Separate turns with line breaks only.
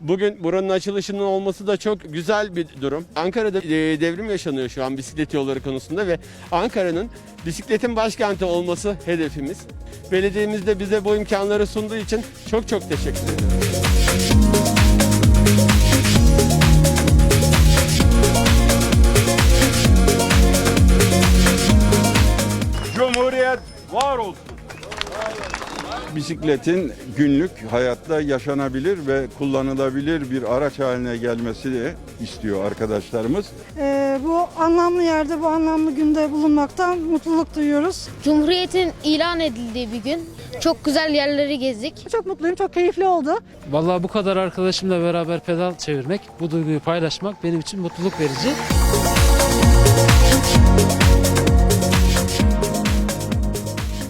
Bugün buranın açılışının olması da çok güzel bir durum. Ankara'da devrim yaşanıyor şu an bisiklet yolları konusunda ve Ankara'nın bisikletin başkenti olması hedefimiz. Belediyemiz de bize bu imkanları sunduğu için çok teşekkür ederim.
Cumhuriyet var olsun.
Bisikletin günlük hayatta yaşanabilir ve kullanılabilir bir araç haline gelmesini istiyor arkadaşlarımız.
Bu anlamlı yerde, bu anlamlı günde bulunmaktan mutluluk duyuyoruz.
Cumhuriyet'in ilan edildiği bir gün. Çok güzel yerleri gezdik.
Çok mutluyum, çok keyifli oldu.
Vallahi bu kadar arkadaşımla beraber pedal çevirmek, bu duyguyu paylaşmak benim için mutluluk verici.